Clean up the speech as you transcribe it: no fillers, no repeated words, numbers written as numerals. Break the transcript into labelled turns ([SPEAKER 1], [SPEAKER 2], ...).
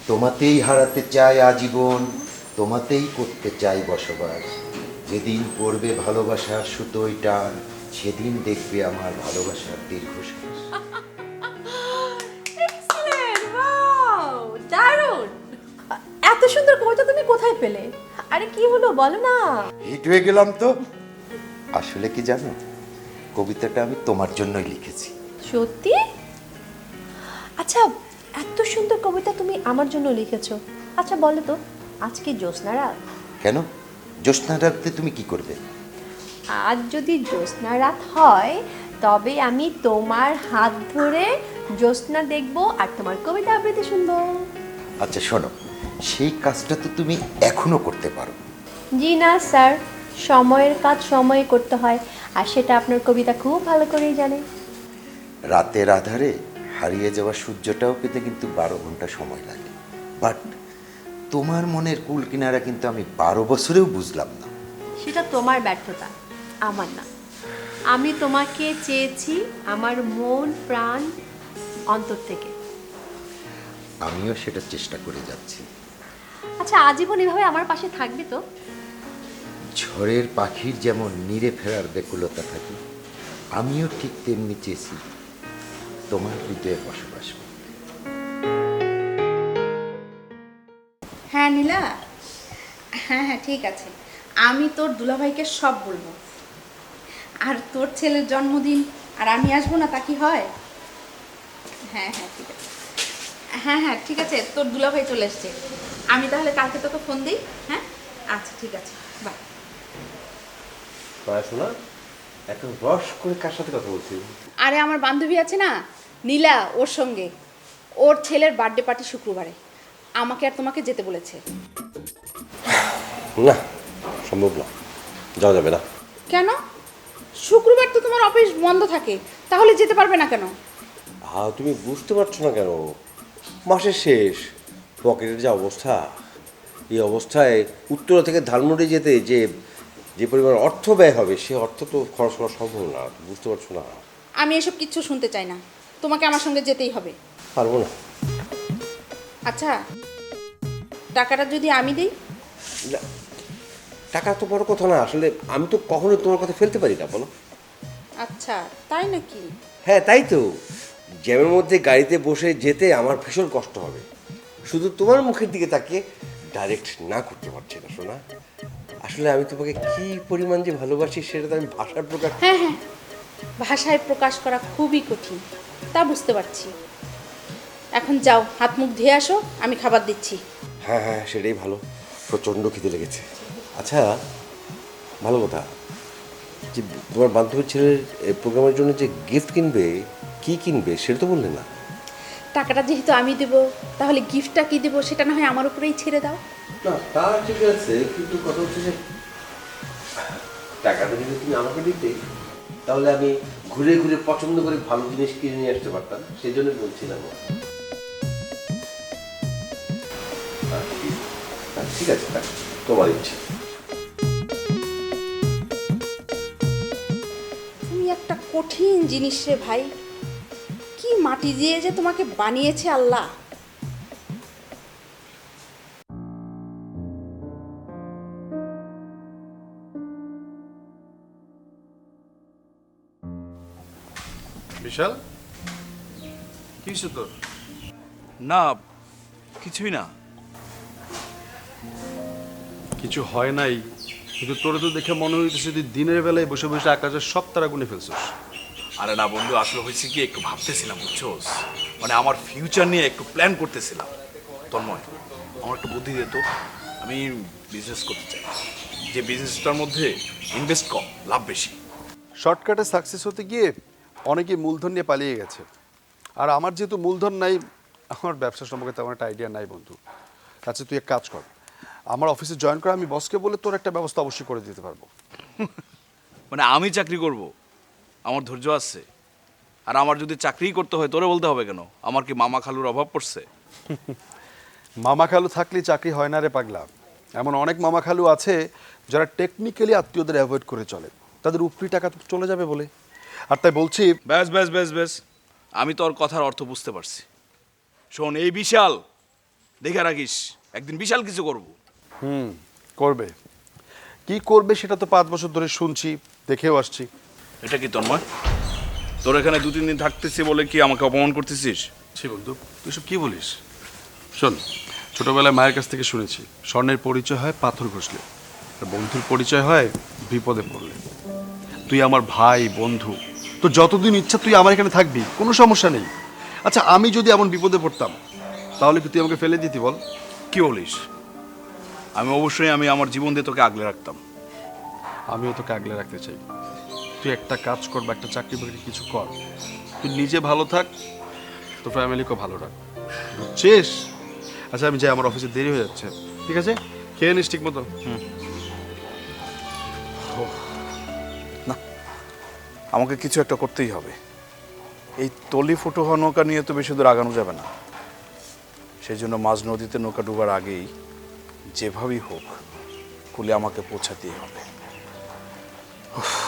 [SPEAKER 1] তোমাতেই হারাতে চাই আজীবন, তোমাতেই করতে চাই বসবাস। যেদিন পড়বে ভালোবাসার সুতোয় টান, সেদিন দেখবে আমার ভালোবাসার দীর্ঘশ্বাস।
[SPEAKER 2] এক্সেলেন্ট, ওয়াও, দারুণ। এত সুন্দর কবিতা তুমি কোথায় পেলে? আরে কি হলো বলো না।
[SPEAKER 1] হিট হয়ে গেলাম তো। আসলে কি জানো, কবিতাটা আমি তোমার জন্যই লিখেছি।
[SPEAKER 2] সত্যি? আচ্ছা, এত সুন্দর কবিতা তুমি আমার জন্য লিখেছো। আচ্ছা বলো তো, আজকে জ্যোৎস্না রাত?
[SPEAKER 1] কেন, জ্যোৎস্না রাতে তুমি কি করবে?
[SPEAKER 2] আজ যদি জ্যোৎস্না রাত হয় তবে আমি তোমার হাত ধরে জ্যোৎস্না দেখবো আর তোমার কবিতা আবৃত্তি শুনবো।
[SPEAKER 1] আচ্ছা শোনো, সেই কাজটা তো তুমি এখনো করতে পারো।
[SPEAKER 2] জি না স্যার, সময়ের কাজ সময়ে করতে হয়, আর সেটা আপনার কবিতা খুব ভালো করেই জানে।
[SPEAKER 1] রাতের আধারে হারিয়ে যাওয়া সূর্যটাও পেতে কিন্তু 12 ঘন্টা সময় লাগে। বাট তোমার মনের কুল কিনারা কিন্তু আমি 12 বছরেও বুঝলাম না।
[SPEAKER 2] সেটা তোমার ব্যর্থতা, আমার না। আমি তোমাকে চেয়েছি আমার মন প্রাণ অন্তর থেকে।
[SPEAKER 1] আমিও সেটা চেষ্টা করে যাচ্ছি।
[SPEAKER 2] আচ্ছা, আজীবন এভাবে আমার পাশে থাকবে তো?
[SPEAKER 1] ঝড়ের পাখির যেমন নিরে ফেরার ব্যাকুলতা থাকে, আমিও ঠিক তেমনি চেয়েছি তোমার হৃদয়ে বসবাস করতে।
[SPEAKER 3] হ্যাঁ নীলা, হ্যাঁ হ্যাঁ ঠিক আছে, আমি তোর দুলাভাইকে সব বলবো। আর তোর ছেলের জন্মদিন আর আমি আসবো না, তা কি হয়? হ্যাঁ হ্যাঁ ঠিক আছে, হ্যাঁ হ্যাঁ ঠিক আছে, তোর দুলাভাই চলে এসছে। আমি তাহলে কালকে তোকে ফোন দিই। হ্যাঁ আচ্ছা ঠিক আছে, বাই।
[SPEAKER 4] শোনা, এত রস করে কার সাথে কথা বলছি?
[SPEAKER 3] আরে আমার বান্ধবী আছে না নীলা, ওর সঙ্গে। ওর ছেলের বার্থডে পার্টি শুক্রবারে, আমাকে আর তোমাকে যেতে বলেছে।
[SPEAKER 4] না, সম্ভব না, যাওয়া যাবে না।
[SPEAKER 3] কেন? শুক্রবার তো তোমার অফিস বন্ধ থাকে, তাহলে যেতে পারবে না কেন?
[SPEAKER 4] হ্যাঁ, তুমি বুঝতে পারছো না কেন? মাসের শেষ, পকেটের যা অবস্থা, এই অবস্থায় উত্তরা থেকে ধানমন্ডি যেতে যে যে পরিমাণ অর্থ ব্যয় হবে, সে অর্থ তো খরচ করা সম্ভব না। বুঝতে পারছো না?
[SPEAKER 3] আমি এসব কিচ্ছু শুনতে চাই না, তোমাকে আমার সঙ্গে যেতেই হবে।
[SPEAKER 4] পারবো না।
[SPEAKER 3] আচ্ছা, টাকাটা যদি আমি দিই?
[SPEAKER 4] না, টাকা তো বড় কথা না, আসলে আমি তো কখনো তোমার কথা ফেলতে পারি না, বলো।
[SPEAKER 3] আচ্ছা তাই নাকি?
[SPEAKER 4] হ্যাঁ তাই তো, জ্যামের মধ্যে গাড়িতে বসে যেতে আমার ভীষণ কষ্ট হবে। শুধু তোমার মুখের দিকে তাকিয়ে ডাইরেক্ট না করতে পারছি না শোনা। আসলে আমি তোমাকে কি পরিমাণ যে ভালোবাসি সেটা তো আমি ভাষার প্রকাশ।
[SPEAKER 3] হ্যাঁ হ্যাঁ, ভাষায় প্রকাশ করা খুবই কঠিন, তা বুঝতে পারছি। এখন যাও, হাত মুখ ধুয়ে আসো, আমি খাবার দিচ্ছি।
[SPEAKER 4] হ্যাঁ হ্যাঁ, সেটাই ভালো, প্রচণ্ড খিদে লেগেছে। আচ্ছা, ভালো কথা, যে তোমার বান্ধবীর ছেলের প্রোগ্রামের জন্য যে গিফট কিনবে, কি কিনবে সেটা তো বললে না।
[SPEAKER 3] টাকাটা যেহেতু আমি দেবো, তাহলে গিফটটা কি দেবো সেটা না হয় আমার উপরেই ছেড়ে দাও।
[SPEAKER 4] না তা ঠিক আছে, কিন্তু কথা হচ্ছে যে টাকাটা যদি তুমি আমাকে দিতে, তাহলে আমি ঘুরে ঘুরে পছন্দ করে ভালো জিনিস কিনে নিয়ে আসতে পারতাম, সেই জন্য বলছিলাম। ঠিক আছে, তোমার ইচ্ছে।
[SPEAKER 3] তুমি একটা কঠিন জিনিস রে ভাই, কি মাটি দিয়ে যে তোমাকে বানিয়েছে আল্লাহ।
[SPEAKER 5] বিশাল, কি হয়েছে তোর?
[SPEAKER 6] না, কিছুই না।
[SPEAKER 5] কিছু হয় নাই, কিন্তু তোরে তো দেখে মনে হইতেছে তুই দিনের বেলায় বসে বসে আকাশের সব তারা গুনে ফেলছিস।
[SPEAKER 6] আরে না বন্ধু, আসলে হয়েছে কি, একটু ভাবতেছিলাম বুঝছোস, মানে আমার ফিউচার নিয়ে একটু প্ল্যান করতেছিলাম। তন্ময়, আমার একটু বুদ্ধি দে তো। আমি বিজনেস করতে চাই, যে বিজনেসটার মধ্যে ইনভেস্ট কম, লাভ বেশি।
[SPEAKER 5] শর্টকাটে সাকসেস হতে গিয়ে অনেকেই মূলধন নিয়ে পালিয়ে গেছে, আর আমার যেহেতু মূলধন নাই, আমার ব্যবসা সম্পর্কে তেমন একটা আইডিয়া নাই বন্ধু। আচ্ছা তুই এক কাজ কর, আমার অফিসে জয়েন কর, আমি বসকে বলে তোর একটা ব্যবস্থা অবশ্যই করে দিতে পারবো।
[SPEAKER 6] মানে আমি চাকরি করব? আমার ধৈর্য আছে। আর আমার যদি চাকরিই করতে হয়, তোরে বলতে হবে কেন? আমার কি মামা খালুর অভাব পড়ছে?
[SPEAKER 5] মামা খালু থাকলে চাকরি হয় না রে পাগলা। এমন অনেক মামা খালু আছে যারা টেকনিক্যালি আত্মীয়দের অ্যাভয়েড করে চলে, তাদের উপরি টাকা তো চলে যাবে বলে। আর তাই বলছি,
[SPEAKER 6] ব্যাস ব্যাস ব্যাস ব্যাস, আমি তোর কথার অর্থ বুঝতে পারছি। শোন, এই বিশাল দেখে রাখিস, একদিন বিশাল কিছু করব।
[SPEAKER 5] করবে কি করবে সেটা তো 5 বছর ধরে শুনছি, দেখেও আসছি।
[SPEAKER 6] এটা কি তন্ময়, তোর এখানে 2-3 দিন থাকতেছি বলে কি আমাকে অপমান করতেছিস?
[SPEAKER 5] ছি বন্ধু, তুই সব কি বলিস? শোন, ছোটবেলায় মায়ের কাছ থেকে শুনেছি স্বর্ণের পরিচয় হয় পাথর ঘষলে, আর বন্ধুর পরিচয় হয় বিপদে পড়লে। তুই আমার ভাই, বন্ধু, তো যতদিন ইচ্ছা তুই আমার এখানে থাকবি, কোনো সমস্যা নেই। আচ্ছা, আমি যদি এমন বিপদে পড়তাম তাহলে কি তুই আমাকে ফেলে দিতি বল?
[SPEAKER 6] কি বলিস? আমি অবশ্যই আমার জীবন দিয়ে তোকে আগলে রাখতাম।
[SPEAKER 5] আমিও তোকে আগলে রাখতে চাই। তুই একটা কাজ কর বা একটা চাকরি বাকরি কিছু কর, তুই নিজে ভালো থাক, তোর ফ্যামিলিকেও ভালো রাখ, বুঝছিস? আচ্ছা আমি যাই, আমার অফিসে দেরি হয়ে যাচ্ছে। ঠিক আছে, খেয়ে নিস ঠিক মতো।
[SPEAKER 6] না, আমাকে কিছু একটা করতেই হবে। এই তলি ফুটো হওয়া নৌকা নিয়ে তো বেশি দূর আগানো যাবে না। সেই জন্য মাঝ নদীতে নৌকা ডুবার আগেই যেভাবেই হোক কুলে আমাকে পৌঁছাতেই হবে। উফ।